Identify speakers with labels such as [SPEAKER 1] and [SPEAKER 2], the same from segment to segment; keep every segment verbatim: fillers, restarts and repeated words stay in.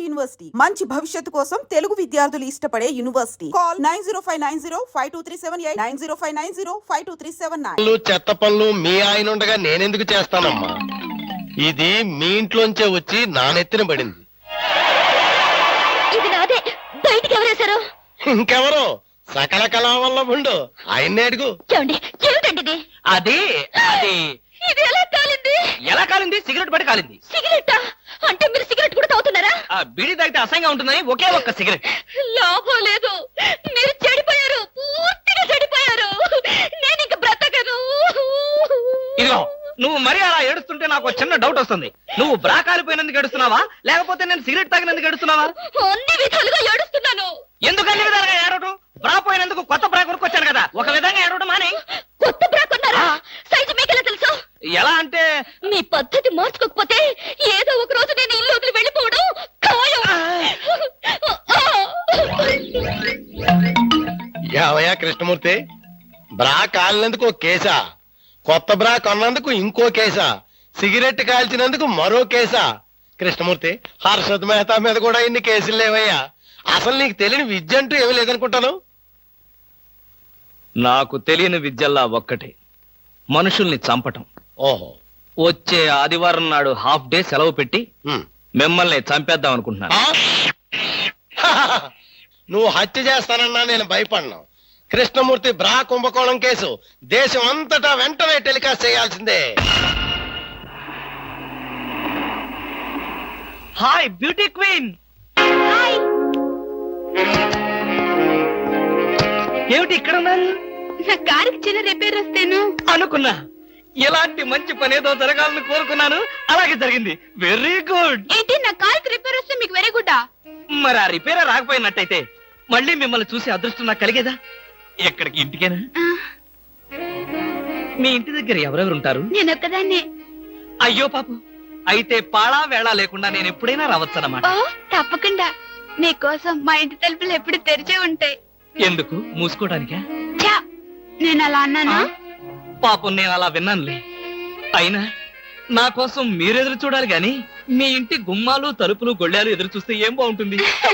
[SPEAKER 1] University మంచి భవిష్యత్తు కోసం తెలుగు విద్యార్థులు ఇష్టపడే university. Call nine zero five nine zero five two three seven eight nine zero five nine zero five two three seven nine.
[SPEAKER 2] చెత్త పనులు మీ ఆయన ఉండగా నేనెందుకు చేస్తానమ్మా? ఇది మీ ఇంట్లోంచే వచ్చి నా నెత్తిన పడింది.
[SPEAKER 3] ఇది నాదే, బయటికి ఎవరేశారు?
[SPEAKER 2] ఇంకెవరో సకల కళా వల్ల ఉండు ఆయన్నే అడుగు.
[SPEAKER 3] ఏమండి, ఏమిటండి ఇది?
[SPEAKER 4] అది అది
[SPEAKER 3] ఇది ఎలా కాలింది?
[SPEAKER 4] ఎలా కాలింది? సిగరెట్ పడి కాలింది.
[SPEAKER 3] సిగరెట్టా? అంటే మీరు సిగరెట్ కూడా తాగుతున్నారా?
[SPEAKER 4] ఆ బీడీ తాగితే అసహ్యంగా ఉంటుందని ఒకే ఒక్క సిగరెట్.
[SPEAKER 3] లాభం లేదు, మీరు చెడిపోయారు, పూర్తిగా చెడిపోయారు. నేను ఇంక బ్రతకను.
[SPEAKER 4] ఇదిగో నువ్వు మరీ అలా ఏడుస్తుంటే నాకు చిన్న డౌట్ వస్తుంది. నువ్వు బ్రా కాలిపోయినందుకు ఏడుస్తున్నావా, లేకపోతే నేను సిగరెట్ తాగినందుకు ఏడుస్తున్నావా?
[SPEAKER 3] అన్ని విధాలుగా ఏడుస్తున్నాను.
[SPEAKER 4] ఎందుకు అన్ని విధాలుగా ఏడవటం? బ్రా పోయినందుకు కొత్త బ్రా కొనుక్కొచ్చాను కదా, ఒక విధంగా ఏడవడం మానే.
[SPEAKER 3] కొత్త బ్రా కొన్నారా? సైజు మీకెలా తెలుసు?
[SPEAKER 4] ఎలా అంటే
[SPEAKER 3] మీ పద్ధతి మార్చుకోకపోతే ఏదో ఒక రోజు నేను ఇల్లు వదిలి వెళ్ళిపోవడం ఖాయం.
[SPEAKER 2] యావయ్యా కృష్ణమూర్తి, బ్రా కాలినందుకు ఒక కేసా, కొత్త బ్రా కొన్నందుకు ఇంకో కేసా, సిగరెట్ కాల్చినందుకు మరో కేసా? కృష్ణమూర్తి, హర్షద్ మెహతా మీద కూడా ఇన్ని కేసులు లేవయ్యా. అసలు నీకు తెలియని విద్య అంటూ ఏమీ లేదనుకుంటాను.
[SPEAKER 4] నాకు తెలియని విద్యల్లా ఒక్కటే, మనుషుల్ని చంపటం.
[SPEAKER 2] ఓహో,
[SPEAKER 4] వచ్చే ఆదివారం నాడు హాఫ్ డే సెలవు పెట్టి
[SPEAKER 2] ఉమ్.
[SPEAKER 4] మిమ్మల్ని చంపేద్దాం అనుకుంటున్నాను.
[SPEAKER 2] ఆ? నువ్వు హత్య చేస్తానన్నా నేను భయపడను. కృష్ణమూర్తి బ్రా కుంభకోణం కేసు దేశం అంతటా వెంటనే టెలికాస్ట్ చేయాల్సిందే.
[SPEAKER 4] Hi beauty queen. ఏమిటి ఇక్కడ ఉన్నారు?
[SPEAKER 3] నా కారుకి చిన్న రిపేర్ వస్తేను
[SPEAKER 4] అనుకున్నా, ఎలాంటి మంచి పని ఏదో జరగాలని కోరుకున్నాను, అలాగే జరిగింది. Very good.
[SPEAKER 3] ఏంటి, నా కారుకి రిపేర్ వస్తే మీకు వెరీ గుడ్?
[SPEAKER 4] మరి ఆ రిపేర్ రాకపోయినట్టయితే మళ్ళీ మిమ్మల్ని చూసి అదృష్టం నాకు కలిగేదా? ఎక్కడికి? ఇంటికేనా? మీ ఇంటి దగ్గర ఎవరెవరు ఉంటారు?
[SPEAKER 3] నేను ఒక్కదాన్నే.
[SPEAKER 4] అయ్యో పాపం, అయితే పాళా వేళ లేకుండా నేను ఎప్పుడైనా రావచ్చన్నమాట.
[SPEAKER 3] ఓ తప్పకుండా, నీకోసం మా ఇంటి తలుపులు ఎప్పుడు తెరిచే ఉంటాయి.
[SPEAKER 4] ఎందుకు? మూసుకోవడానికా?
[SPEAKER 3] ఛా, నేను అలా అన్నానా?
[SPEAKER 4] పాపం నేను అలా విన్నానులే. అయినా నా కోసం మీరెదురు చూడాలి గాని మీ ఇంటి గుమ్మాలు తలుపులు గొళ్ళాలు ఎదురు చూస్తే ఏం బాగుంటుంది?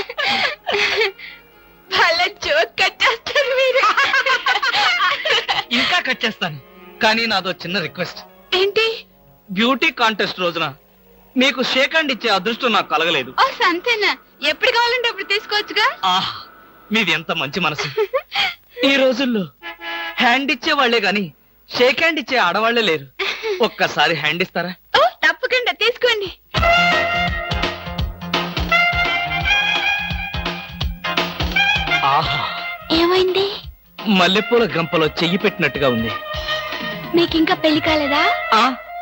[SPEAKER 3] జోక్ కట్టేస్తారు మీరు.
[SPEAKER 4] ఇంకా కట్ చేస్తాను, కానీ నాదో చిన్న రిక్వెస్ట్.
[SPEAKER 3] ఏంటి?
[SPEAKER 4] బ్యూటీ కాంటెస్ట్ రోజున మీకు షేక్ హ్యాండ్ ఇచ్చే అదృష్టం నాకు కలగలేదు.
[SPEAKER 3] ఓ సంతేనా, ఎప్పుడు కావాలంటే అప్పుడు తీసుకోవచ్చుగా.
[SPEAKER 4] ఆహ్, మీది ఎంత మంచి మనసు. ఈ రోజుల్లో హ్యాండ్ ఇచ్చే వాళ్లే గాని షేక్ హ్యాండ్ ఇచ్చే ఆడవాళ్లే లేరు. ఒక్కసారి హ్యాండ్ ఇస్తారా?
[SPEAKER 3] ఓ తప్పకుండా, తీసుకోండి.
[SPEAKER 4] ఆహా,
[SPEAKER 3] ఏమైంది?
[SPEAKER 4] మల్లెపూల గంపలో చెయ్యి పెట్టినట్టుగా ఉంది.
[SPEAKER 3] మీకింకా పెళ్లి కాలేదా?
[SPEAKER 4] ఆ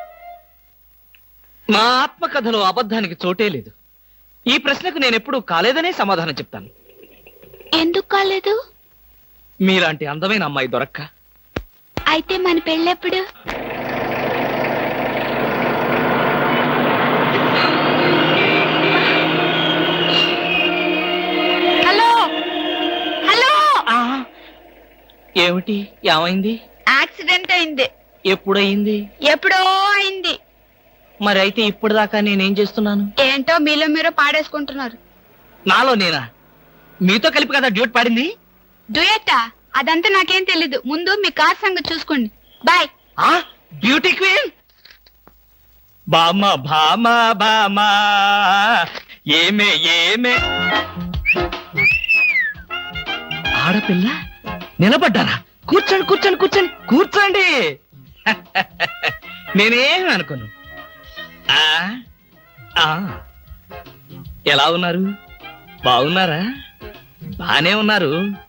[SPEAKER 4] నా ఆత్మకథలో అబద్ధానికి చోటే లేదు. ఈ ప్రశ్నకు నేనెప్పుడు కాలేదనే సమాధానం చెప్తాను.
[SPEAKER 3] ఎందుకు కాలేదు?
[SPEAKER 4] మీలాంటి అందమైన అమ్మాయి దొరక్క.
[SPEAKER 3] అయితే మన పెళ్ళెప్పుడు? Hello hello.
[SPEAKER 4] ఏమిటి? ఏమైంది?
[SPEAKER 3] యాక్సిడెంట్ అయింది.
[SPEAKER 4] ఎప్పుడయింది?
[SPEAKER 3] ఎప్పుడో అయింది.
[SPEAKER 4] మరి అయితే ఇప్పుడు దాకా నేనేం చేస్తున్నాను?
[SPEAKER 3] ఏంటో మీలో మీరు పాడేసుకుంటున్నారు.
[SPEAKER 4] నాలో నేనా? మీతో కలిపి కదా డ్యూట్ పాడింది.
[SPEAKER 3] డ్యూయట్టా? అదంతా నాకేం తెలీదు. ముందు మీ కార్ సంగతి చూసుకోండి. బాయ్.
[SPEAKER 4] ఆ బ్యూటీ క్వీన్. బామా బామా బామా ఏమే ఏమే. ఆడపిల్ల నిలబడ్డారా? కూర్చోండి కూర్చోండి కూర్చోండి కూర్చోండి. నేనేం అనుకోను. ఆ ఆ ఎలా ఉన్నారు? బాగున్నారా? బానే ఉన్నారు.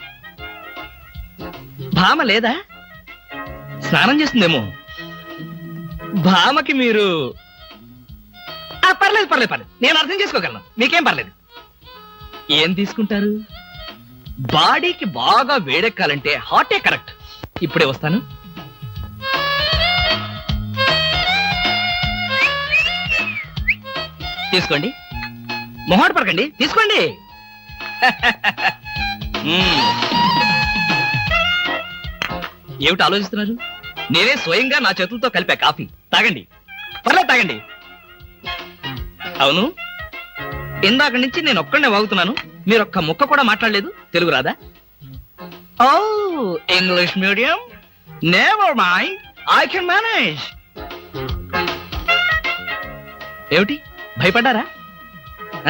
[SPEAKER 4] భామ లేదా? స్నానం చేస్తుందేమో. భామకి మీరు పర్లేదు పర్లేదు పర్లేదు, నేను అర్థం చేసుకోగలను, మీకేం పర్లేదు. ఏం తీసుకుంటారు? బాడీకి బాగా వేడెక్కాలంటే హాటే కరెక్ట్. ఇప్పుడే వస్తాను. తీసుకోండి, మొహాట పడకండి, తీసుకోండి. ఏమిటి ఆలోచిస్తున్నారు? నేనే స్వయంగా నా చేతులతో కలిపా కాఫీ. తాగండి, పర్లేదు తాగండి. అవును, ఇందాక నుంచి నేను ఒక్కడనే వాగుతున్నాను, మీరు ఒక్క ముక్క కూడా మాట్లాడలేదు. తెలుగు రాదా? ఓ English medium, never mind, I can manage. ఏమిటి భయపడ్డారా? ఆ?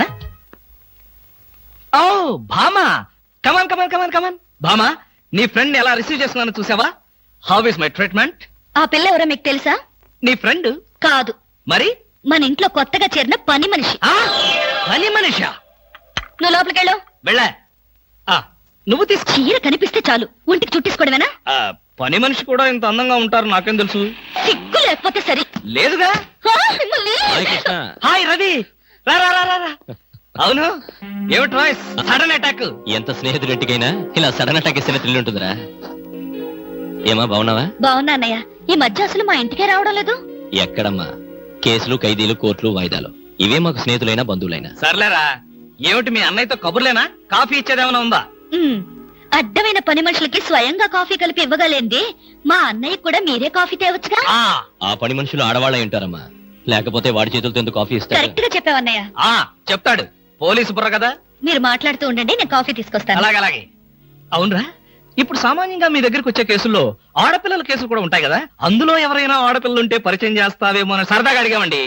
[SPEAKER 4] ఓ భామా, కమాన్ కమాన్ కమాన్ కమాన్. భామా, నీ ఫ్రెండ్ ఎలా రిసీవ్ చేసుకున్నాను చూసావా? How is my treatment?
[SPEAKER 3] ఆ పిల్ల ఎవరో మీకు తెలుసా?
[SPEAKER 4] నీ ఫ్రెండ్
[SPEAKER 3] కాదు,
[SPEAKER 4] మరి?
[SPEAKER 3] మన ఇంట్లో కొత్తగా చేరిన పని మనిషి.
[SPEAKER 4] ఆ పని మనిషా?
[SPEAKER 3] నువ్వు లోపలికెళ్ళు.
[SPEAKER 4] వెళ్ళా. ఆ, నువ్వు తీసుకో.
[SPEAKER 3] చీర కనిపిస్తే చాలు ఒంటికి చుట్టేసుకోవడమేనా?
[SPEAKER 4] ఆ, పని మనిషి కూడా ఇంత అందంగా ఉంటారు నాకేం తెలుసు?
[SPEAKER 3] సిగ్గు లేకపోతే సరి.
[SPEAKER 4] లేదుగా.
[SPEAKER 3] ఆ, మిమ్మల్ని.
[SPEAKER 4] హాయ్ రవి, రా రా రా రా రా. అవును, ఏమిటి వాయిస్ సడన్ అటాక్?
[SPEAKER 5] ఎంత స్నేహితుడింటికైనా ఇలా సడన్ అటాక్ ఇస్తే థ్రిల్ ఉంటుందిరా. ఏమా బాగున్నావా?
[SPEAKER 3] బాగున్నా అన్నయ్య. ఈ మధ్య అసలు మా ఇంటికే రావడం లేదు.
[SPEAKER 5] ఎక్కడమ్మా, కేసులు ఖైదీలు కోర్టులు వాయిదాలు ఇవే మాకు స్నేహితులైనా బంధువులైనా.
[SPEAKER 4] సర్లేరా, ఏమిటి మీ అన్నయ్యతో కబుర్లేనా? కాఫీ ఇచ్చేదేమైనా ఉందా?
[SPEAKER 3] ఉమ్, అడ్డమైన పని మనుషులకి స్వయంగా కాఫీ కలిపి ఇవ్వగలేంది మా అన్నయ్య కూడా మీరే కాఫీ తేవచ్చుగా.
[SPEAKER 4] ఆ
[SPEAKER 5] ఆ పని మనుషులు ఆడవాళ్ళై ఉంటారమ్మా, లేకపోతే వాడి చేతులతో ఎందుకు కాఫీ ఇస్తారు?
[SPEAKER 3] కరెక్ట్ గా చెప్పావన్నయ్య.
[SPEAKER 4] ఆ చెప్తాడు, పోలీసు బుర్ర కదా.
[SPEAKER 3] మీరు మాట్లాడుతూ ఉండండి, నేను కాఫీ తీసుకొస్తాను.
[SPEAKER 4] అలాగే అలాగే. అవునరా, ఇప్పుడు సామాన్యంగా మీ దగ్గరికి వచ్చే కేసుల్లో ఆడపిల్లల కేసులు కూడా ఉంటాయి కదా, అందులో ఎవరైనా ఆడపిల్లలు ఉంటే పరిచయం చేస్తావేమో అని సరదాగా అడిగామండి.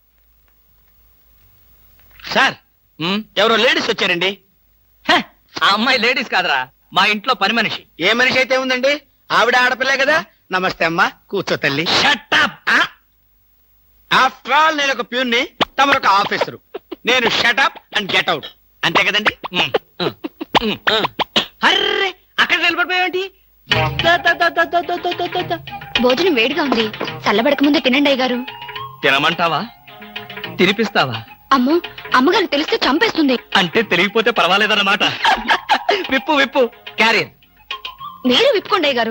[SPEAKER 6] సార్,
[SPEAKER 4] ఉమ్,
[SPEAKER 6] ఎవరో లేడీస్ వచ్చారండి.
[SPEAKER 4] హ, ఆ అమ్మాయి లేడీస్ కాదురా, మా ఇంట్లో పని మనిషి.
[SPEAKER 6] ఏ మనిషి అయితే ఉందండి, ఆవిడ ఆడపిల్లే కదా. నమస్తే అమ్మా, కూర్చో తల్లి.
[SPEAKER 4] Shut up.
[SPEAKER 6] ఆఫ్టర్ ఆల్ నేను ఒక ప్యూన్ని, తమరు ఒక ఆఫీసరు. నేను షటప్ అండ్ గెట్ అవుట్, అంతే కదండి.
[SPEAKER 4] ఉమ్, ఉమ్, ఉమ్. అర్రే, అక్కడ నిలబడిపోయావేంటి? ద, ద, ద, ద, ద, ద, ద, ద, ద.
[SPEAKER 3] భోజనం వేడిగా ఉంది, చల్లబడక ముందే తినండి అయ్య గారు.
[SPEAKER 4] తినమంటావా? తినిపిస్తావా?
[SPEAKER 3] అమ్మో, అమ్మగారు తెలిస్తే చంపేస్తుంది.
[SPEAKER 4] అంటే తెలియకపోతే పర్వాలేదన్నమాట. విప్పు విప్పు క్యారియర్.
[SPEAKER 3] మీరు విప్పుకోండి అయ్య గారు.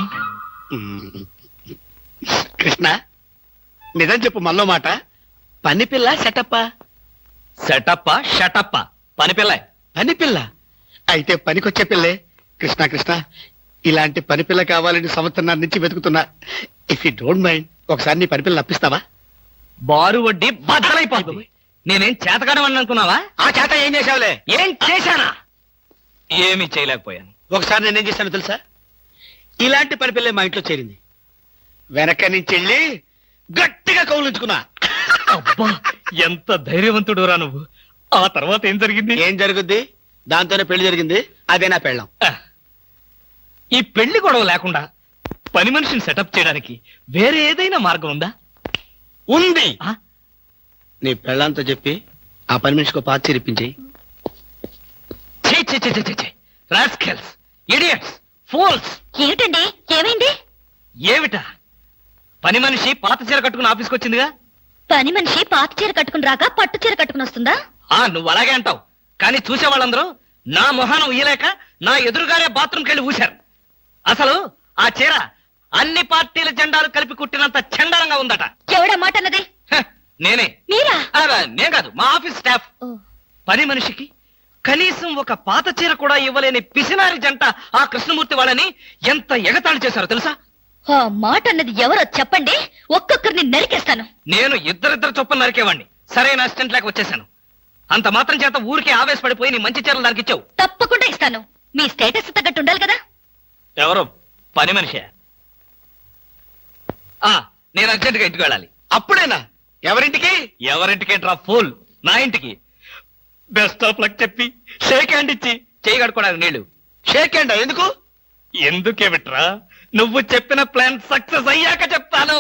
[SPEAKER 6] కృష్ణ, నిజం చెప్పు మళ్ళో మాట. పని పిల్ల సెటప్పా?
[SPEAKER 4] సెటప్ప షటప్ప పని పిల్ల.
[SPEAKER 6] పని పిల్ల అయితే పనికొచ్చే పిల్లే. కృష్ణ కృష్ణ, ఇలాంటి పని పిల్ల కావాలని సంవత్సరం నుంచి వెతుకుతున్నా. ఇఫ్ యూ డోంట్ మైండ్, ఒకసారి నీ పని పిల్ల అప్పిస్తావా?
[SPEAKER 4] బారు వడ్డీ బద్దలైపోతుంది. నేనేం చేతకాడమని అనుకున్నావా?
[SPEAKER 6] ఆ చేత ఏం చేసావులే?
[SPEAKER 4] ఏం చేశానా? ఏమీ చేయలేకపోయాను.
[SPEAKER 6] ఒకసారి నేనేం చేశాను తెలుసా? ఇలాంటి పని పిల్ల మా ఇంట్లో చేరింది. వెనక నుంచి వెళ్ళి గట్టిగా కౌలించుకున్నా.
[SPEAKER 4] అబ్బా, ఎంత ధైర్యవంతుడు రా నువ్వు. ఆ తర్వాత ఏం జరిగింది?
[SPEAKER 6] ఏం జరుగుద్ది? దాంతోనే పెళ్లి జరిగింది. అదే నా పెళ్ళం.
[SPEAKER 4] ఆ, ఈ పెళ్లి గొడవ లేకుండా పని మనిషిని సెటప్ చేయడానికి వేరే ఏదైనా మార్గం ఉందా?
[SPEAKER 6] ఉంది.
[SPEAKER 4] ఆ?
[SPEAKER 6] నీ పెళ్ళంతో చెప్పి ఆ పని మనిషికి పాత చిరిపించి.
[SPEAKER 4] ఛీ, ఛీ, ఛీ, ఛీ, ఛీ, ఛీ. Rascals, idiots, fools.
[SPEAKER 3] ఏమిటండి, ఏమైంది?
[SPEAKER 4] ఏమిటా? పని మనిషి పాత చీర కట్టుకుని ఆఫీస్కి వచ్చిందిగా.
[SPEAKER 3] పని మనిషి పాత చీర కట్టుకుని రాక పట్టు చీర కట్టుకుని వస్తుందా?
[SPEAKER 4] ఆ నువ్వు అలాగే అంటావు, కానీ చూసే వాళ్ళందరూ నా మొహానం ఊయలేక నా ఎదురుగానే బాత్రూమ్కి వెళ్ళి ఊశారు. అసలు ఆ చీర అన్ని పార్టీల జెండాలు కలిపి కుట్టినంత చండాలంగా ఉందట.
[SPEAKER 3] ఎవడా మాట అన్నది?
[SPEAKER 4] హ, నేనే.
[SPEAKER 3] మీరా?
[SPEAKER 4] ఆ, నేను కాదు, మా ఆఫీస్ స్టాఫ్.
[SPEAKER 3] ఓ,
[SPEAKER 4] పని మనిషికి కనీసం ఒక పాత చీర కూడా ఇవ్వలేని పిసినారి జంట ఆ కృష్ణమూర్తి వాళ్ళని ఎంత ఎగతాళి చేశారో తెలుసా?
[SPEAKER 3] ఆ మాట అన్నది ఎవరో చెప్పండి, ఒక్కొక్కరిని నరికేస్తాను.
[SPEAKER 4] నేను ఇద్దరిద్దరు చొప్పున నరికేవాడిని. సరైన అసిస్టెంట్ లేక వచ్చేసాను. అంత మాత్రం చేత ఊరికే ఆవేశపడిపోయి నీ మంచి చీరలు దానికి ఇచ్చావు.
[SPEAKER 3] తప్పకుండా ఇస్తాను. మీ స్టేటస్ తగ్గట్టు ఉండాలి కదా.
[SPEAKER 4] ఎవరు పని మనిషి? ఆ నేను అర్జెంట్ గా ఇంటికి వెళ్ళాలి.
[SPEAKER 6] అప్పుడేనా? ఎవరింటికి?
[SPEAKER 4] ఎవరింటికి డ్రా ఫూల్, నా ఇంటికి. బెస్ట్ ఆఫ్ లక్ చెప్పి షేక్ హ్యాండ్ ఇచ్చి చేయి కడుకోవడానికి నీళ్లు.
[SPEAKER 6] షేక్ హ్యాండ్ ఎందుకు?
[SPEAKER 4] ఎందుకే విట్రా, నువ్వు చెప్పిన ప్లాన్ సక్సెస్ అయ్యాక చెప్తాను.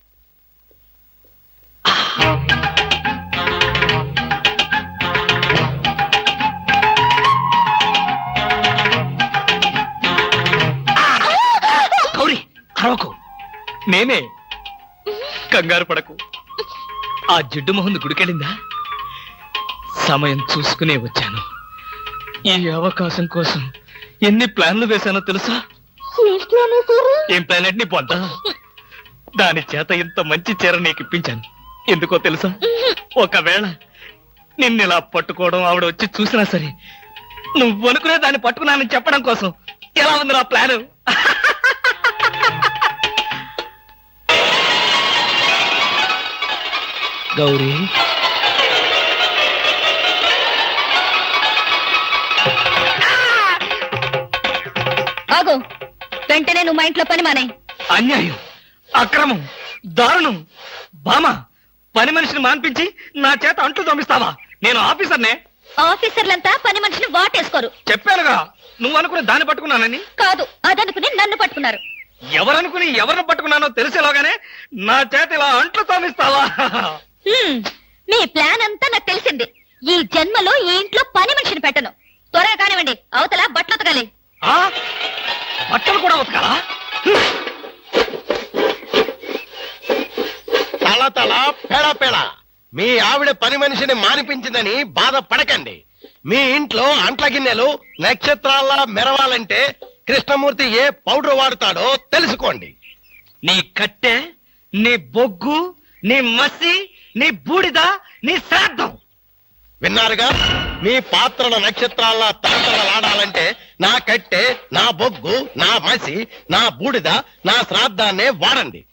[SPEAKER 4] గౌరీ, అరవకు. నేనే. కంగారు పడకు. ఆ జిడ్డు మొహంది గుడికెళ్ళిందా? సమయం చూసుకునే వచ్చాను. ఈ అవకాశం కోసం ఎన్ని ప్లాన్లు వేశానో తెలుసా? ఏం ప్లాన్ అంటే నీ పొంత? దాని చేత ఇంత మంచి చీర నీకు ఇప్పించాను. ఎందుకో తెలుసా? ఒకవేళ నిన్నిలా పట్టుకోవడం ఆవిడ వచ్చి చూసినా సరే నువ్వు అనుకునే దాన్ని పట్టుకున్నానని చెప్పడం కోసం. ఎలా ఉంది నా ప్లాను? గౌరీ,
[SPEAKER 3] వెంటనే నువ్వు మా ఇంట్లో పని మానే.
[SPEAKER 4] అన్యాయం, అక్రమం, దారుణం. బామా, పని మనిషిని మాన్పించి నా చేత అంట్లు తోమిస్తావా? నేను ఆఫీసర్నే.
[SPEAKER 3] ఆఫీసర్లంతా పని మనిషిని వాటేసుకోరు.
[SPEAKER 4] చెప్పానుగా, నువ్వు అనుకుని దాన్ని పట్టుకున్నానని.
[SPEAKER 3] కాదు, అదనుకుని నన్ను పట్టుకున్నారు.
[SPEAKER 4] ఎవరనుకుని ఎవరిని పట్టుకున్నానో తెలిసేలోగానే నా చేత ఇలా అంట్లు తోమిస్తావా?
[SPEAKER 3] హ్మ్, మీ ప్లాన్ అంతా నాకు తెలిసింది. ఈ జన్మలో ఈ ఇంట్లో పని మనిషిని పెట్టను. త్వరగా కానివ్వండి, అవతల బట్టలు ఉతకాలి.
[SPEAKER 4] ఆ? బట్టలు కూడా ఉతకాలా?
[SPEAKER 2] తల తల పెడ పెడ మీ ఆవిడ పని మనిషిని మానిపించిందని బాధపడకండి. మీ ఇంట్లో అంట్ల గిన్నెలు నక్షత్రాల్లా మెరవాలంటే కృష్ణమూర్తి ఏ పౌడర్ వాడతాడో తెలుసుకోండి.
[SPEAKER 4] నీ కట్టె, నీ బొగ్గు, నీ మసి, నీ బూడిద, నీ శ్రాద్ధం.
[SPEAKER 2] విన్నారుగా, మీ పాత్రల నక్షత్రాల్లా తలతలలాడాలంటే నా కట్టె, నా బొగ్గు, నా మసి, నా బూడిద, నా శ్రాద్ధాన్నే వాడండి.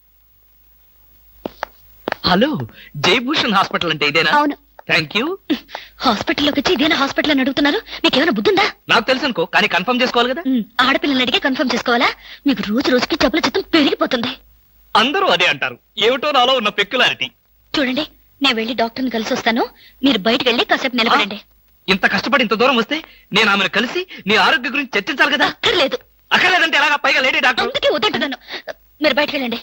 [SPEAKER 4] హలో, జయభూషణ్ హాస్పిటల్ అంటే ఇదేనా?
[SPEAKER 3] అవును.
[SPEAKER 4] Thank you.
[SPEAKER 3] హాస్పిటల్లోకి వచ్చి ఇదేనా హాస్పిటల్ అని అడుగుతున్నారు? మీకేమైనా బుద్ధుందా?
[SPEAKER 4] నాకు తెలుసు అనుకో, కానీ కన్ఫర్మ్ చేసుకోవాలి కదా.
[SPEAKER 3] ఉమ్, ఆడపిల్లలు అడిగే కన్ఫర్మ్ చేసుకోవాలా? మీకు రోజు రోజుకి జబ్బుల చిత్తం పెరిగిపోతుంది.
[SPEAKER 4] అందరూ అదే అంటారు. ఏమిటో నాలో ఉన్న పెక్యులారిటీ.
[SPEAKER 3] చూడండి, నేను వెళ్ళి డాక్టర్ని కలిసి వస్తాను. మీరు బయటకు వెళ్ళి కాసేపు నిలబడండి.
[SPEAKER 4] ఇంత కష్టపడి ఇంత దూరం వస్తే నేను ఆమెను కలిసి నీ ఆరోగ్య గురించి చర్చించాలి కదా.
[SPEAKER 3] అక్కర్లేదు.
[SPEAKER 4] అక్కర్లేదంటే ఎలాగా? పైగా లేడీ డాక్టర్.
[SPEAKER 3] అందుకే వద్దంటున్నాను. మీరు బయటకు వెళ్ళండి.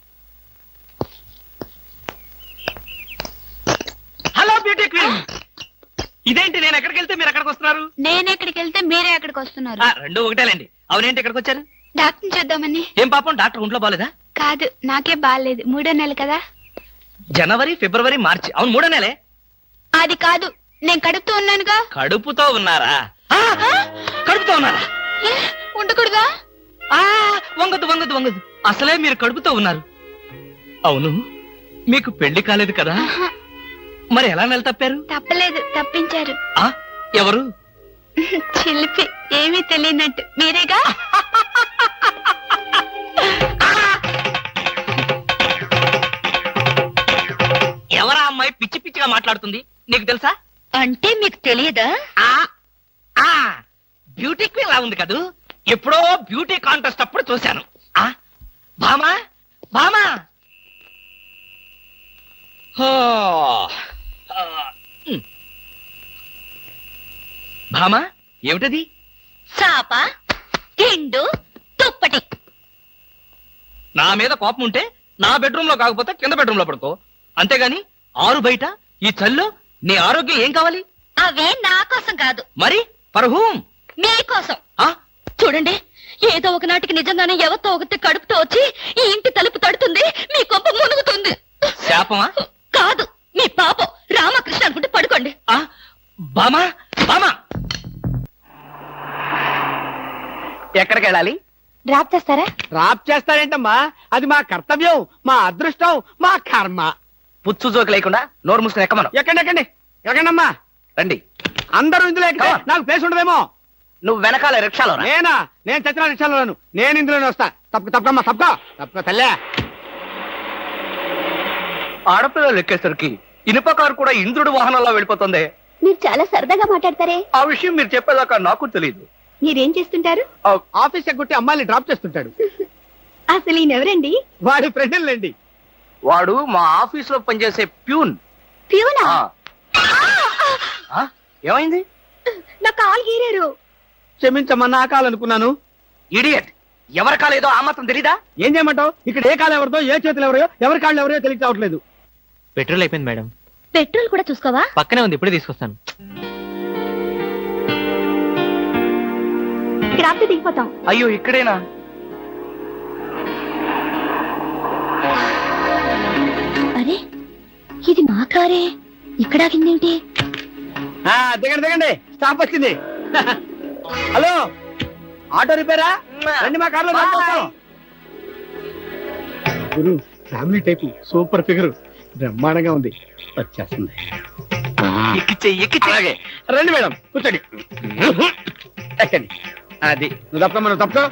[SPEAKER 4] హలో బ్యూటీ క్వీన్, ఇదేంటి నేను ఎక్కడికి వెళ్తే మీరు ఎక్కడికి వస్తున్నారు?
[SPEAKER 7] నేను ఎక్కడికి వెళ్తే మీరే ఎక్కడికి వస్తున్నారు.
[SPEAKER 4] ఆ, రెండు ఒకటేలేండి. అవునేంటి ఎక్కడికి వచ్చారు?
[SPEAKER 7] డాక్టర్ చూద్దామని.
[SPEAKER 4] ఏం పాపం, డాక్టర్ ఒంట్లో బాలేదా?
[SPEAKER 7] కాదు, నాకే బాగాలేదు. మూడో నెల కదా.
[SPEAKER 4] జనవరి, ఫిబ్రవరి, మార్చి. అవును, మూడో నెలే.
[SPEAKER 7] అది కాదు, నేను కడుపుతూ ఉన్నానుగా.
[SPEAKER 4] కడుపుతో ఉన్నారా? ఆ, కడుపుతో ఉన్నారా?
[SPEAKER 7] ఏ, ఉండకూడదా?
[SPEAKER 4] ఆ, వంగదు వంగదు వంగదు. అసలే మీరు కడుపుతో ఉన్నారు. అవును, మీకు పెళ్లి కాలేదు కదా?
[SPEAKER 7] ఆహా,
[SPEAKER 4] మరి ఎలా నెల తప్పారు?
[SPEAKER 7] తప్పలేదు, తప్పించారు.
[SPEAKER 4] ఆ, ఎవరు?
[SPEAKER 7] చిలిపి, ఏమీ తెలియనట్టు. మీరేగా?
[SPEAKER 4] ఎవరా అమ్మాయి పిచ్చి పిచ్చిగా మాట్లాడుతుంది? నీకు తెలుసా?
[SPEAKER 3] అంటే మీకు తెలియదా?
[SPEAKER 4] ఆ, ఆ, బ్యూటీ క్వీన్ లా ఉంది కదూ. ఎప్పుడో బ్యూటీ కాంటెస్ట్ అప్పుడు చూశాను. ఆ, భామా భామా. హో, ఆ, ఉమ్. భామా, ఏమిటది?
[SPEAKER 3] చాప, తిండు, దుప్పటి.
[SPEAKER 4] నా మీద కోపం ఉంటే నా బెడ్రూమ్ లో కాకపోతే కింద బెడ్రూమ్ లో పడుకో. అంతేగాని ఆరు బయట ఈ చల్లో నీ ఆరోగ్యం ఏం కావాలి?
[SPEAKER 3] అవే నా కోసం కాదు,
[SPEAKER 4] మరి ఫర్ హూమ్?
[SPEAKER 3] మీకోసం.
[SPEAKER 4] ఆ,
[SPEAKER 3] చూడండి, ఏదో ఒకనాటికి నిజంగానే ఎవరితో ఒకటి కడుపుతో వచ్చి ఈ ఇంటి తలుపు తడుతుంది, మీ కొంప మునుగుతుంది.
[SPEAKER 4] శాపమా?
[SPEAKER 3] కాదు, మీ పాపం. రామకృష్ణ అనుకుంటే పడుకోండి.
[SPEAKER 4] ఆ, బామా బామా, ఎక్కడికి వెళ్ళాలి?
[SPEAKER 7] డ్రాప్ చేస్తారా?
[SPEAKER 6] డ్రాప్ చేస్తారేంటమ్మా? అది మా కర్తవ్యం, మా అదృష్టం, మా కర్మ.
[SPEAKER 4] పుచ్చు జోకి లేకుండా నోరు మూసుకుని ఎక్కమను.
[SPEAKER 6] ఎక్కండి ఎక్కండి ఎక్కండమ్మా.
[SPEAKER 4] రండి.
[SPEAKER 6] అందరూ ఇందులో ఎక్కితే
[SPEAKER 4] Come on.
[SPEAKER 6] నాకు ప్లేస్ ఉండదేమో.
[SPEAKER 4] నువ్వు వెనకాల రిక్షాలో రా.
[SPEAKER 6] నేనా? నేను చచ్చిన రిక్షాలోను. నేను ఇందులోనే వస్తా. తప్పక తప్పకమ్మా, తప్పక తప్పక తల్లే.
[SPEAKER 4] ఆడపిల్లలు ఎక్కేసరికి ఇనుప కారు కూడా ఇంద్రుడు వాహనంలో వెళ్ళిపోతుంది.
[SPEAKER 7] మీరు చాలా సరదాగా మాట్లాడతారే.
[SPEAKER 4] ఆ విషయం మీరు చెప్పేదాకా నాకు తెలియదు.
[SPEAKER 7] మీరేం చేస్తుంటారు?
[SPEAKER 6] ఆఫీస్ ఎగ్గొట్టి అమ్మాయిని డ్రాప్ చేస్తుంటాడు.
[SPEAKER 7] అసలు ఈయనెవరండి?
[SPEAKER 6] వాడి ఫ్రెండ్లండి.
[SPEAKER 4] వాడు మా ఆఫీస్ లో పనిచేసే ప్యూన్.
[SPEAKER 7] ప్యూనా?
[SPEAKER 4] ఆ, ఏమైంది?
[SPEAKER 7] నా కాలు గీరారు.
[SPEAKER 6] క్షమించమ్మా, నా కాలనుకున్నాను.
[SPEAKER 4] ఇడియట్, ఎవరి కాలేదో ఆ మాత్రం తెలీదా?
[SPEAKER 6] ఏం చేయమంటావు? ఇక్కడ ఏ కాలు ఎవరిదో, ఏ చేతులు ఎవరో, ఎవరి కాళ్ళు ఎవరో తెలియక రావట్లేదు.
[SPEAKER 5] పెట్రోల్ అయిపోయింది మేడం.
[SPEAKER 3] పెట్రోల్ కూడా చూసుకోవా?
[SPEAKER 5] పక్కనే ఉంది, ఇప్పుడే తీసుకొస్తాను.
[SPEAKER 7] ఇక్కడ ఆపితే దిగిపోతాం.
[SPEAKER 4] అయ్యో, ఇక్కడేనా?
[SPEAKER 3] అరే, ఇది మా కారే. ఇక్కడ ఆగిందేమిటి?
[SPEAKER 6] ఆ, దిగండి దిగండి, స్టాప్ వచ్చింది. హలో, ఆటో రిపేరా? రండి మా కార్లో. గురు, ఫ్యామిలీ టైప్, సూపర్ ఫిగర్, బ్రహ్మాండంగా ఉంది. వచ్చేస్తుంది.
[SPEAKER 4] ఎక్కిచ్చే ఎక్కిచ్చే.
[SPEAKER 6] అలాగే రండి మేడం, కూర్చోండి. ఎక్కండి. అది నువ్వు తప్ప మనం తప్ప.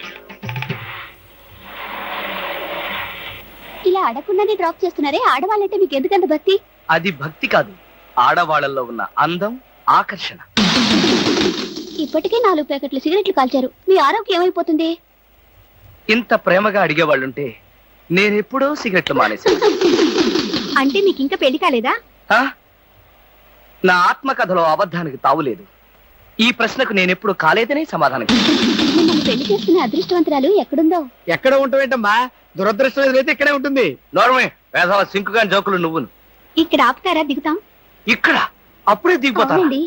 [SPEAKER 7] ఇలా అడగకుండానే డ్రాప్ చేస్తున్నారే, ఆడవాళ్ళంటే మీకు ఎందుకంత భక్తి?
[SPEAKER 4] అది భక్తి కాదు, ఆడవాళ్ళల్లో ఉన్న అందం, ఆకర్షణ.
[SPEAKER 7] ఇప్పటికే నాలుగు ప్యాకెట్లు సిగరెట్లు కాల్చారు. మీ ఆరోగ్యం ఏమైపోతుంది?
[SPEAKER 4] ఇంత ప్రేమగా అడిగేవాళ్ళుంటే నేనెప్పుడో సిగరెట్లు మానేశాను.
[SPEAKER 7] అంటే మీకు ఇంకా పెళ్లి కాలేదా?
[SPEAKER 4] ఆ? నా ఆత్మకథలో అబద్ధానికి తావులేదు. ఈ ప్రశ్నకు నేనెప్పుడు కాలేదనే సమాధానం ఇస్తాను.
[SPEAKER 7] మిమ్మల్ని పెళ్లి చేసుకునే అదృష్టవంతురాలు ఎక్కడుందో?
[SPEAKER 6] ఎక్కడ ఉంటావేంటమ్మా, దురదృష్టం ఎదురైతే ఇక్కడే ఉంటుంది.
[SPEAKER 4] నోర్మే వేసవ సింకుగా జోకులు నువ్వును.
[SPEAKER 7] ఇక్కడ ఆపుతారా? దిగుతాం.
[SPEAKER 4] ఇక్కడ అప్పుడే దిగిపోతా.
[SPEAKER 7] అవునండి.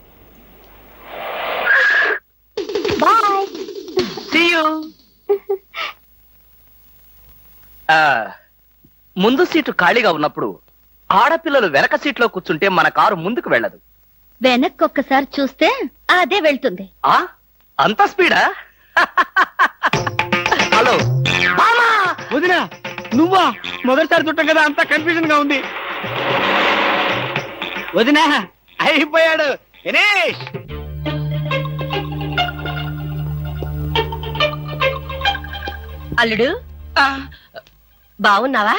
[SPEAKER 7] బాయ్.
[SPEAKER 4] See you. ఆ, ముందు సీటు ఖాళీగా ఉన్నప్పుడు ఆడపిల్లలు వెనక సీట్లో కూర్చుంటే మన కారు ముందుకు వెళ్ళదు.
[SPEAKER 3] వెనక్కి ఒక్కసారి చూస్తే అదే వెళ్తుంది.
[SPEAKER 4] ఆ అంత స్పీడా? హలో
[SPEAKER 6] మామా, వదినా, నువ్వా? మొదటిసారి చుట్టం కదా, అంతా కన్ఫ్యూజన్ గా ఉంది. వదినా, అయిపోయాడు దినేష్.
[SPEAKER 3] అల్లుడు బాగున్నావా?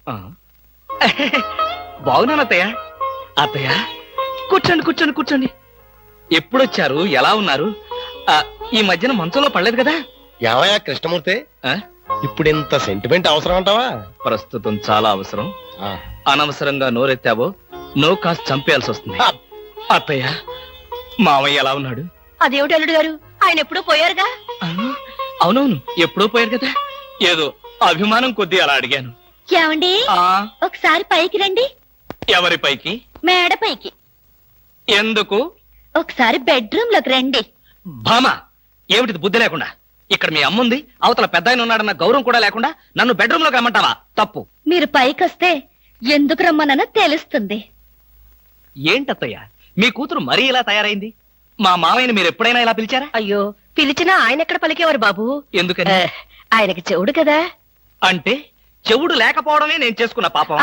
[SPEAKER 4] బాగున్నాను అత్తయ్య. అత్తయ్య కూర్చోండి కూర్చోండి కూర్చోండి. ఎప్పుడొచ్చారు? ఎలా ఉన్నారు? ఆ, ఈ మధ్యన మంచంలో పడలేదు కదా?
[SPEAKER 2] ఏమయ్యా కృష్ణమూర్తి,
[SPEAKER 4] ఆ?
[SPEAKER 2] ఇప్పుడు ఇంత సెంటిమెంట్ అవసరం అంటావా?
[SPEAKER 4] ప్రస్తుతం చాలా అవసరం.
[SPEAKER 2] ఆ,
[SPEAKER 4] అనవసరంగా నోరెత్తావో నో కాస్త చంపేయాల్సి వస్తుంది.
[SPEAKER 2] ఆ,
[SPEAKER 4] అత్తయ్య మామయ్య ఎలా ఉన్నాడు?
[SPEAKER 3] అదేమిటి అల్లుడు గారు, ఆయన ఎప్పుడూ పోయారుగా.
[SPEAKER 4] ఆ, అవునవును ఎప్పుడో పోయారు కదా. ఏదో అభిమానం కొద్దీ అలా అడిగాను.
[SPEAKER 3] ఏమండి,
[SPEAKER 4] ఆ
[SPEAKER 3] ఒకసారి పైకి రండి.
[SPEAKER 4] ఎవరి పైకి?
[SPEAKER 3] మేడ పైకి.
[SPEAKER 4] ఎందుకు?
[SPEAKER 3] ఒకసారి బెడ్రూమ్ లోకి రండి.
[SPEAKER 4] భామా, ఏమిటిది బుద్ధి లేకుండా? ఇక్కడ మీ అమ్ముంది, అవతల పెద్ద ఆయన ఉన్నాడన్న గౌరవం కూడా లేకుండా నన్ను బెడ్రూమ్ లోకి రమ్మంటావా? తప్పు.
[SPEAKER 3] మీరు పైకి వస్తే ఎందుకు రమ్మనో తెలుస్తుంది.
[SPEAKER 4] ఏంటత్తయ్య మీ కూతురు మరీ ఇలా తయారైంది? మా మామయ్యని మీరు ఎప్పుడైనా ఇలా పిలిచారా?
[SPEAKER 3] అయ్యో, పిలిచినా ఆయన ఎక్కడ పలికేవారు బాబు?
[SPEAKER 4] ఎందుకని?
[SPEAKER 3] ఆయనకి చెవుడు కదా.
[SPEAKER 4] అంటే చెవుడు లేకపోవడమే నేను చేసుకున్న పాపం.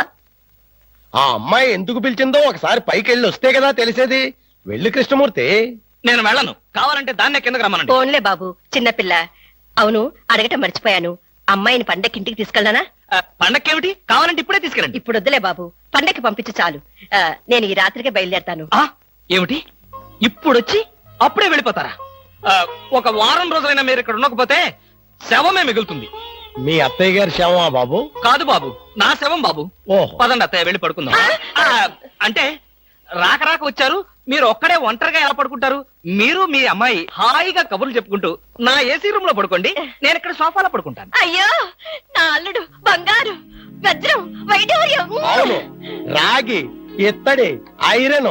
[SPEAKER 2] ఆ అమ్మాయి ఎందుకు పిలిచిందో ఒకసారి పైకి వెళ్ళి వస్తే కదా తెలిసేది. వెళ్ళి కృష్ణమూర్తి.
[SPEAKER 4] నేను వెళ్ళను. కావాలంటే దాన్నే కిందకి రమ్మనండి.
[SPEAKER 8] ఫోన్లే బాబు, చిన్నపిల్ల. అవును, అడగటం మర్చిపోయాను. అమ్మాయిని పండక్కి ఇంటికి తీసుకెళ్ళనా?
[SPEAKER 4] ఆ, పండక్కేమిటి? కావాలంటే ఇప్పుడే తీసుకెళ్ళండి.
[SPEAKER 8] ఇప్పుడు వద్దులే బాబు, పండక్కి పంపించు చాలు. ఆ, నేను ఈ రాత్రికే బయలుదేరతాను.
[SPEAKER 4] ఆ ఏమిటి ఇప్పుడొచ్చి అప్పుడే వెళ్ళిపోతారా? ఆ, ఒక వారం రోజులైనా మీరు ఇక్కడ ఉండకపోతే శవమే మిగులుతుంది.
[SPEAKER 2] మీ అత్తయ్య గారి శవమా బాబు?
[SPEAKER 4] కాదు బాబు, నా శవం బాబు.
[SPEAKER 2] ఓహో,
[SPEAKER 4] పదండి అత్తయ్య, వెళ్ళి పడుకుందాం. ఆ, అంటే రాక రాక వచ్చారు, మీరు ఒక్కడే ఒంటరిగా ఎలా పడుకుంటారు? మీరు మీ అమ్మాయి హాయిగా కబుర్లు చెప్పుకుంటూ నా ఏసీ రూమ్ లో పడుకోండి, నేను ఇక్కడ సోఫాలో పడుకుంటాను.
[SPEAKER 8] అయ్యో, నా అల్లుడు బంగారు, వజ్రం, వైఢూర్యం.
[SPEAKER 2] అవును, రాగి, ఇత్తడి, ఐరన్.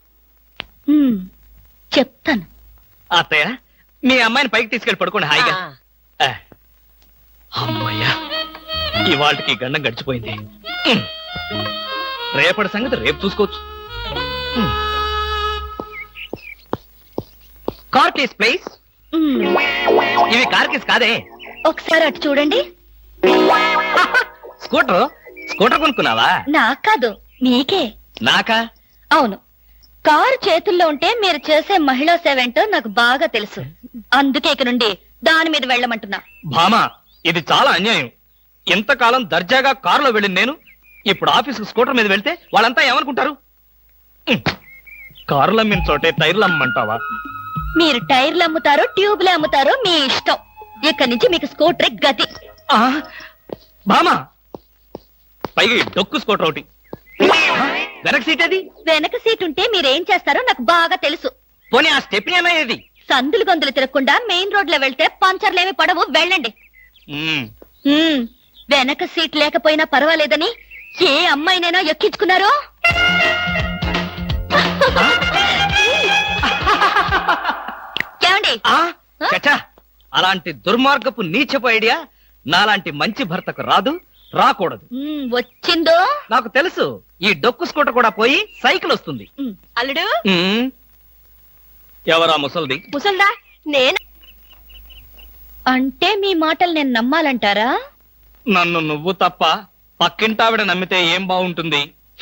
[SPEAKER 3] హ్మ్, చెప్తాను.
[SPEAKER 4] అత్తయ్య మీ అమ్మాయిని పైకి తీసుకెళ్లి పడుకోండి హాయిగా.
[SPEAKER 8] ఆ,
[SPEAKER 4] ఆ, అమ్మయ్యా, ఇవాళకి గండం గడిచిపోయింది. ఉమ్. రేపటి సంగతి రేపు చూసుకోవచ్చు. ఉమ్. Car keys please.
[SPEAKER 3] హ్మ్,
[SPEAKER 4] ఇవి కార్ కేస్ కాదే,
[SPEAKER 3] ఒకసారి అటు చూడండి.
[SPEAKER 4] స్కూటర్. స్కూటర్ కొనుక్కున్నావా?
[SPEAKER 3] నాకు కాదు, మీకే.
[SPEAKER 4] నాకా?
[SPEAKER 3] అవును, కారు చేతుల్లో ఉంటే మీరు చేసే మహిళా సేవ ఏంటో నాకు బాగా తెలుసు. అందుకే ఇక నుండి దాని మీద వెళ్ళమంటున్నా.
[SPEAKER 4] భామా, ఇది చాలా అన్యాయం. ఎంతకాలం దర్జాగా కారులో వెళ్ళింది నేను, ఇప్పుడు ఆఫీసుకు స్కూటర్ మీద వెళ్తే వాళ్ళంతా ఏమనుకుంటారు? ఉమ్. కారులు అమ్మిన చోటే టైర్లు అమ్మంటావా?
[SPEAKER 3] మీరు టైర్లు అమ్ముతారో ట్యూబ్లు అమ్ముతారో మీ ఇష్టం. ఇక్కడి నుంచి మీకు స్కూటర్ గతి.
[SPEAKER 4] ఆ, భామా, పైగా ఈ డొక్కు స్కూటర్ ఒకటి. ఆ, వెనక సీట్ అది.
[SPEAKER 3] వెనక సీట్ ఉంటే మీరేం చేస్తారో నాకు బాగా తెలుసు.
[SPEAKER 4] పోనీ ఆ స్టెప్ని అన్నది.
[SPEAKER 3] సందులు గొంతులు తిరగకుండా మెయిన్ రోడ్ లో వెళ్తే పంచర్లేమి పడవు, వెళ్ళండి.
[SPEAKER 4] ఉమ్.
[SPEAKER 3] హ్మ్, వెనక సీట్ లేకపోయినా పర్వాలేదని ఏ అమ్మాయినైనా ఎక్కించుకున్నారో? ఏమండి?
[SPEAKER 4] ఆ, చచ్చా, అలాంటి దుర్మార్గపు నీచపు ఐడియా నాలాంటి మంచి భర్తకు రాదు, రాకూడదు.
[SPEAKER 3] హ్మ్, వచ్చిందో?
[SPEAKER 4] నాకు తెలుసు, ఈ డొక్కు స్కూటర్ కూడా పోయి సైకిల్ వస్తుంది.
[SPEAKER 3] హ్మ్,
[SPEAKER 8] అల్లుడు,
[SPEAKER 4] ఉమ్. ఎవరా ముసల్ది?
[SPEAKER 8] ముసల్దా? నేను
[SPEAKER 3] అంటే మీ మాటలు నేను నమ్మాలంటారా?
[SPEAKER 4] నన్ను నువ్వు తప్ప పక్కింటావిడ నమ్మితే ఏం బాగుంటుంది?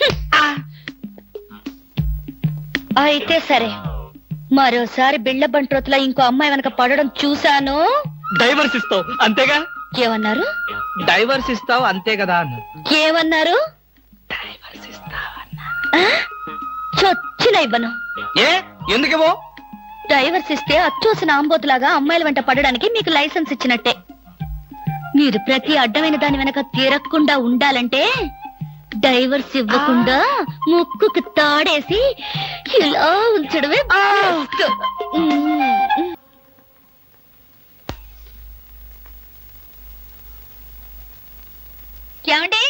[SPEAKER 3] అయితే సరే, మరోసారి బిళ్ళ బంట్రోతులా ఇంకో అమ్మాయి వెనక పడడం చూశాను.
[SPEAKER 4] డైవర్స్ ఇస్తావు అంతేగా?
[SPEAKER 3] ఏమన్నారు?
[SPEAKER 4] డైవర్స్ ఇస్తావు అంతే కదా అన్న.
[SPEAKER 3] ఏమన్నారు?
[SPEAKER 4] డైవర్స్ ఇస్తావన్నా.
[SPEAKER 3] ఆ? చొచ్చిన ఇవ్వను.
[SPEAKER 4] ఏ ఎందుకేవో?
[SPEAKER 3] డైవర్స్ ఇస్తే అచ్చూసిన ఆంబోతులాగా అమ్మాయిల వెంట పడడానికి మీకు లైసెన్స్ ఇచ్చినట్టే. మీరు ప్రతి అడ్డమైన దాని వెనక తిరగకుండా ఉండాలంటే డైవర్స్ ఇవ్వకుండా ముక్కుకు తాడేసి ఇలా ఉంచడమే best. మ్మ్. ఏమండి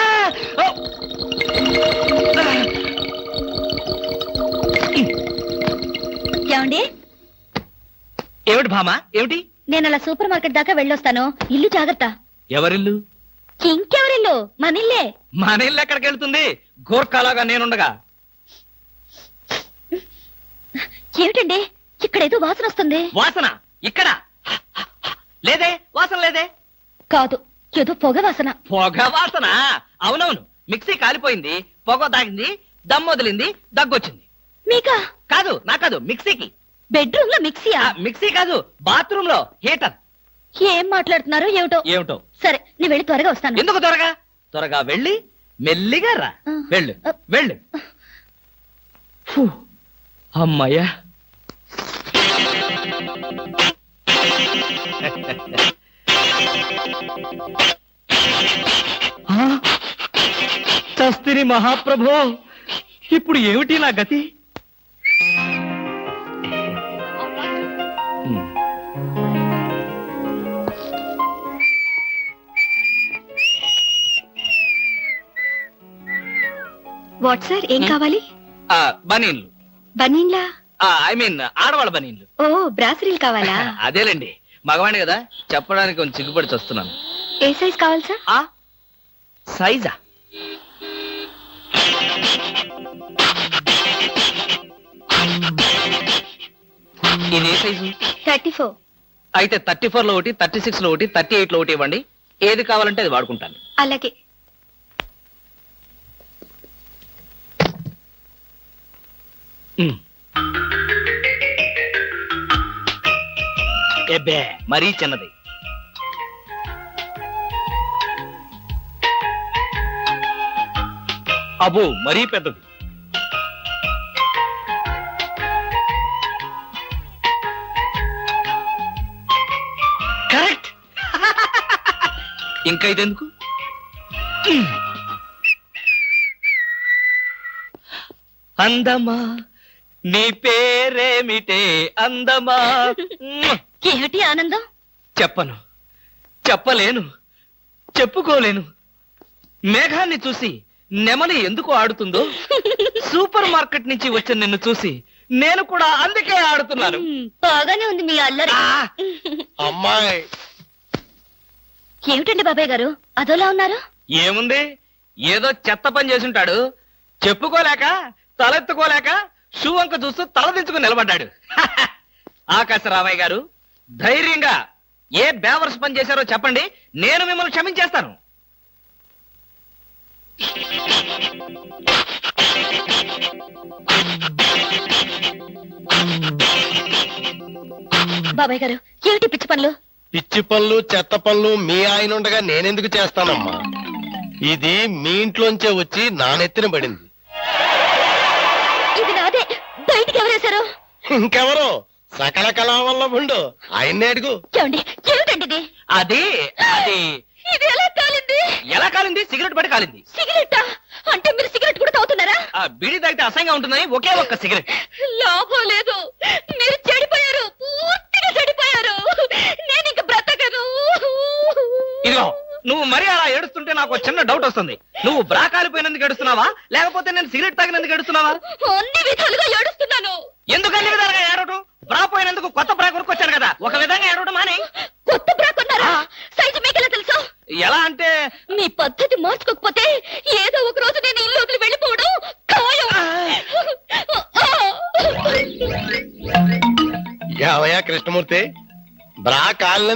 [SPEAKER 3] ఏమండి
[SPEAKER 4] ఏమిటి భామా ఏమిటి?
[SPEAKER 3] నేను అలా సూపర్ మార్కెట్ దాకా వెళ్ళొస్తాను. ఇల్లు జాగ్రత్త.
[SPEAKER 4] ఎవరిల్లు?
[SPEAKER 3] ఇంకెవరిల్లు? మన ఇల్లే.
[SPEAKER 4] మన ఇల్లు ఎక్కడికి వెళ్తుంది? గోర్ఖాలాగా నేనుండగా.
[SPEAKER 3] ఏమిటండి ఇక్కడేదో వాసన వస్తుంది.
[SPEAKER 4] వాసన ఇక్కడ లేదే, వాసన లేదే.
[SPEAKER 3] కాదు, ఏదో పొగ వాసన.
[SPEAKER 4] పొగ వాసన? అవునవును, మిక్సీ కాలిపోయింది, పొగ తాగింది, దమ్ వదిలింది, దగ్గొచ్చింది.
[SPEAKER 3] మీకా?
[SPEAKER 4] కాదు, నా కాదు, మిక్సీకి.
[SPEAKER 3] బెడ్రూమ్ లో మిక్సీయా?
[SPEAKER 4] ఆ, మిక్సీ కాదు, బాత్రూమ్ లో హీటర్.
[SPEAKER 3] ఏం మాట్లాడుతున్నారో ఏమిటో.
[SPEAKER 4] ఏమిటో?
[SPEAKER 3] సరే నేను వెళ్ళి త్వరగా వస్తాను.
[SPEAKER 4] ఎందుకు త్వరగా? త్వరగా వెళ్ళి మెల్లిగా రా.
[SPEAKER 3] ఆ.
[SPEAKER 4] వెళ్ళు వెళ్ళు. ఫు, అమ్మయ్యా. ఆ, చస్తిని మహాప్రభో, ఇప్పుడు ఏమిటి నా గతి? హ్మ్.
[SPEAKER 8] వాట్ సార్ ఏం కావాలి?
[SPEAKER 4] ఆ, బనీన్లు.
[SPEAKER 8] బనీన్లా?
[SPEAKER 4] ఐ మీన్ ఆడవాళ్ళ బనీన్లు.
[SPEAKER 8] ఓ బ్రాసరీలు కావాలా?
[SPEAKER 4] అదేలేండి, మగవాణి కదా, చెప్పడానికి కొంచెం సిగ్గుపడి వస్తున్నాను.
[SPEAKER 8] ఏ సైజ్ కావాలి సార్?
[SPEAKER 4] ఆ సైజా? ఇది ఏ సైజు?
[SPEAKER 8] Thirty four.
[SPEAKER 4] అయితే థర్టీ ఫోర్ లో ఒకటి, థర్టీ సిక్స్ లో ఒకటి, థర్టీ ఎయిట్ లో ఒకటి ఇవ్వండి. ఏది కావాలంటే అది వాడుకుంటాను.
[SPEAKER 8] అలాగే.
[SPEAKER 4] ఉమ్. ఎబ్బే, మరీ చిన్నది. అబ్బో, మరీ పెద్దది. కరెక్ట్. ఇంకా ఇదెందుకు? అందమా నీ పేరేమిటే అందమా?
[SPEAKER 3] ఏమిటి ఆనందం?
[SPEAKER 4] చెప్పను, చెప్పలేను, చెప్పుకోలేను. మేఘాన్ని చూసి నెమలి ఎందుకు ఆడుతుందో, సూపర్ మార్కెట్ నుంచి వచ్చిన నిన్ను చూసి నేను కూడా అందుకే ఆడుతున్నాను.
[SPEAKER 3] మ్మ్, బాగానే ఉంది మీ అల్లరి.
[SPEAKER 4] ఆ,
[SPEAKER 2] అమ్మాయి
[SPEAKER 3] ఏమిటండి బాబాయ్ గారు అదోలా ఉన్నారు?
[SPEAKER 4] ఏముంది, ఏదో చెత్త పని చేసుంటాడు, చెప్పుకోలేక తలెత్తుకోలేక షూ వంక చూస్తూ తలదించుకుని నిలబడ్డాడు. ఆకాశరామయ్య గారు, ధైర్యంగా ఏ బేవర్స్ పని చేశారో చెప్పండి, నేను మిమ్మల్ని క్షమించేస్తాను.
[SPEAKER 3] బాబాయ్ గారు ఏమిటి పిచ్చి పనులు?
[SPEAKER 2] పిచ్చి పనులు చెత్త పనులు మీ ఆయన ఉండగా నేనెందుకు చేస్తానమ్మా? ఇది మీ ఇంట్లోంచే వచ్చి నా నెత్తిన పడింది.
[SPEAKER 3] ఇది నాదే, బయటికి ఎవరేశారు?
[SPEAKER 2] ఇంకెవరో సకల కళా వల్ల ఉండు, ఆయన్నే అడుగు.
[SPEAKER 3] ఏమండి ఏమిటండి ఇది?
[SPEAKER 4] అది అది
[SPEAKER 3] ఇది ఎలా కాలింది?
[SPEAKER 4] ఎలా కాలింది? సిగరెట్ పడి కాలింది.
[SPEAKER 3] సిగరెట్టా? అంటే మీరు సిగరెట్ కూడా తాగుతున్నారా?
[SPEAKER 4] ఆ బీడీ తాగితే అసహ్యంగా ఉంటుందని ఒకే ఒక్క సిగరెట్.
[SPEAKER 3] లాభం లేదు, మీరు చెడిపోయారు, పూర్తిగా చెడిపోయారు. నేను ఇంక బ్రతకను.
[SPEAKER 4] ఇదిగో, నువ్వు మరీ అలా ఏడుస్తుంటే నాకు ఒక చిన్న డౌట్ వస్తుంది. నువ్వు బ్రా కాలిపోయినందుకు ఏడుస్తున్నావా, లేకపోతే నేను సిగరెట్ తాగినందుకు ఏడుస్తున్నావా?
[SPEAKER 3] అన్ని విధాలుగా ఏడుస్తున్నాను.
[SPEAKER 4] ఎందుకు అన్ని విధాలుగా ఏడవటం? బ్రా పోయినందుకు కొత్త బ్రా కొనుక్కొచ్చాను కదా, ఒక విధంగా ఏడవడం మాని.
[SPEAKER 3] కొత్త బ్రా కొన్నారా? సైజు మీకెలా తెలుసు?
[SPEAKER 4] ఎలా అంటే
[SPEAKER 3] మీ పద్ధతి మార్చుకోకపోతే ఏదో ఒక రోజు నేను ఇల్లు వదిలి వెళ్ళిపోవడం ఖాయం.
[SPEAKER 2] యావయ్యా కృష్ణమూర్తి, బ్రా కాలిన